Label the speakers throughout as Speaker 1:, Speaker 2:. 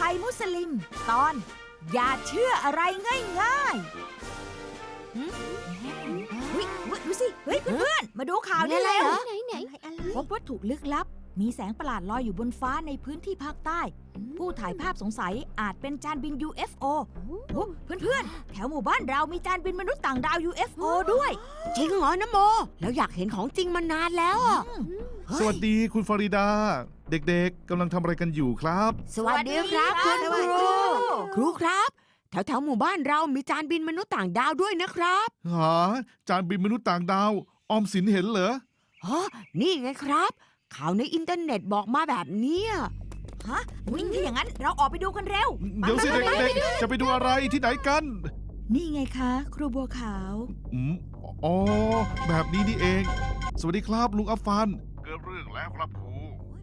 Speaker 1: ภัยมุสลิม ตอน อย่าเชื่ออะไรง่ายๆดูสิ เฮ้ยเพื่อนๆ มาดูข่าวนี่แล้ว
Speaker 2: ไหน
Speaker 1: พบวัตถุลึกลับ มีแสงประหลาดลอยอยู่บนฟ้าในพื้นที่ภาคใต้ ผู้ถ่ายภาพสงสัยอาจเป็นจานบิน UFO เพื่อนๆ แถวหมู่บ้านเรามีจานบินมนุษย์ต่างดาว UFO ด้วย
Speaker 2: จริงเหรอนะโม แล้วอยากเห็นของจริงมานานแล้วอ่ะ
Speaker 3: สวัสดีคุณฟาริดา เด็กๆกำลังทำอะไรกันอยู่ครับ
Speaker 2: สวัสดีครับคุณ
Speaker 1: ส
Speaker 2: ค
Speaker 1: วัสดี
Speaker 2: รู
Speaker 1: ครับ
Speaker 2: ครูครับ แถวหมู่บ้านเรามีจานบินมนุษย์ต่างดาวด้วยนะครับ
Speaker 3: หาจานบินมนุษย์ต่างดาว ออมสินเห็นเหรอ
Speaker 2: ฮะนี่ไงครับ ข่าวในอินเทอร์เน็ตบอกมาแบบเนี้ย
Speaker 1: ฮะวิ่งถ้าอย่างนั้นเราออกไปดูกันเร็ว
Speaker 3: เดี๋ยวสิเด็กๆ จะไปดูอะไรที่ไหนกัน
Speaker 1: นี่ไงคะ ครูบัวขาว
Speaker 3: อืมอ๋อ แบบนี้นี่เอง สวัสดีครับลุงอัฟฟานเกิดเรื่องแล้วครับครู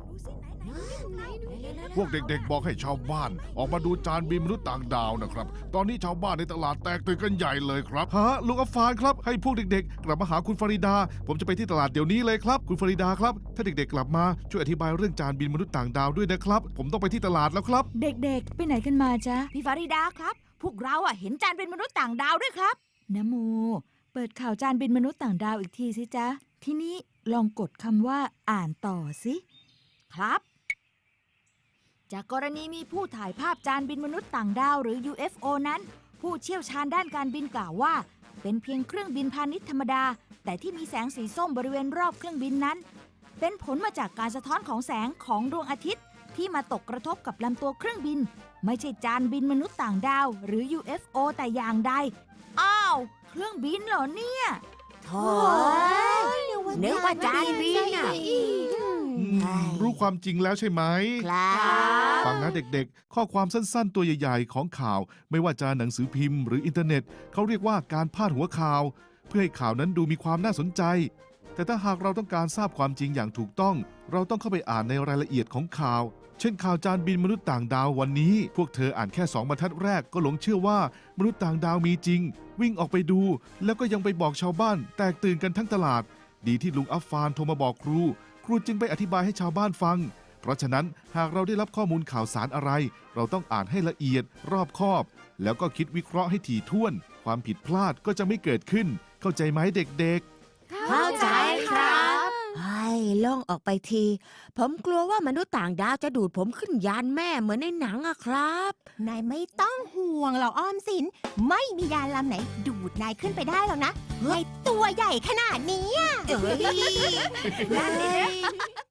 Speaker 3: พวกเด็กๆ บอกให้ชาวบ้าน ออกมาดูจานบินมนุษย์ต่างดาวนะครับ ตอนนี้ชาวบ้านในตลาดแตกตื่นกันใหญ่เลยครับฮะลุงอัฟฟานครับ ให้พวกเด็กๆ กลับมาหาคุณฟาริดา ผมจะไปที่ตลาดเดี๋ยวนี้เลยครับ คุณฟาริดาครับ ถ้าเด็กๆ กลับมาช่วยอธิบายเรื่องจานบินมนุษย์ต่างดาวด้วยนะครับ ผมต้องไปที่ตลาดแล้วครับ
Speaker 1: เด็กๆ ไปไหนกันมาจ๊ะ พี่ฟาริดาครับ พวกเราเห็นจานเป็นมนุษย์ต่างดาวด้วยครับนะโม เปิดข่าวจานเป็นมนุษย์ต่างดาวอีกทีสิจ๊ะ ทีนี้ลองกดคำว่าอ่านต่อสิ ครับ จากกรณีมีผู้ถ่ายภาพจานบินมนุษย์ต่างดาวหรือ UFO นั้น ผู้เชี่ยวชาญด้านการบินกล่าวว่า เป็นเพียงเครื่องบินพาณิชย์ธรรมดา แต่ที่มีแสงสีส้มบริเวณรอบเครื่องบินนั้น เป็นผลมาจากการสะท้อนของแสงของดวงอาทิตย์ ที่มาตกกระทบกับลำตัวเครื่องบิน ไม่ใช่จานบินมนุษย์ต่างดาวหรือ UFO แต่อย่างใด อ้าว เครื่องบินเหรอเนี่ย
Speaker 2: โถ่นึกว่าจานบินอ่ะ
Speaker 3: รู้ความจริงแล้วใช่ไหม
Speaker 2: ครับ
Speaker 3: ฟังนะเด็กๆ ข้อความสั้นๆ ตัวใหญ่ๆ ของข่าว ไม่ว่าจะหนังสือพิมพ์หรืออินเทอร์เน็ต เขาเรียกว่าการพาดหัวข่าว เพื่อให้ข่าวนั้นดูมีความน่าสนใจ แต่ถ้าหากเราต้องการทราบความจริงอย่างถูกต้อง เราต้องเข้าไปอ่านในรายละเอียดของข่าว เช่นข่าวจานบินมนุษย์ต่างดาววันนี้ พวกเธออ่านแค่2 บรรทัดแรกก็หลงเชื่อว่ามนุษย์ต่างดาวมีจริง วิ่งออกไปดู แล้วก็ยังไปบอกชาวบ้าน แตกตื่นกันทั้งตลาด ดีที่ลุงอัฟฟานโทรมาบอกครูจึงไปอธิบายให้ชาวบ้านฟัง เพราะฉะนั้นหากเราได้รับข้อมูลข่าวสารอะไร เราต้องอ่านให้ละเอียดรอบคอบ แล้วก็คิดวิเคราะห์ให้ถี่ถ้วน ความผิดพลาดก็จะไม่เกิดขึ้น เข้าใจไหมเด็ก
Speaker 2: เข้าใจครับไอ้ล่องออกไปที ผมกลัวว่ามนุษย์ต่างดาวจะดูดผมขึ้นยานแม่เหมือนในหนังอะครับ
Speaker 4: นายไม่ต้องห่วงหรอกอ้อมสิน ไม่มียานลำไหนดูดนายขึ้นไปได้หรอกนะนายตัวใหญ่ขนาดนี้อะ
Speaker 2: เอ้ย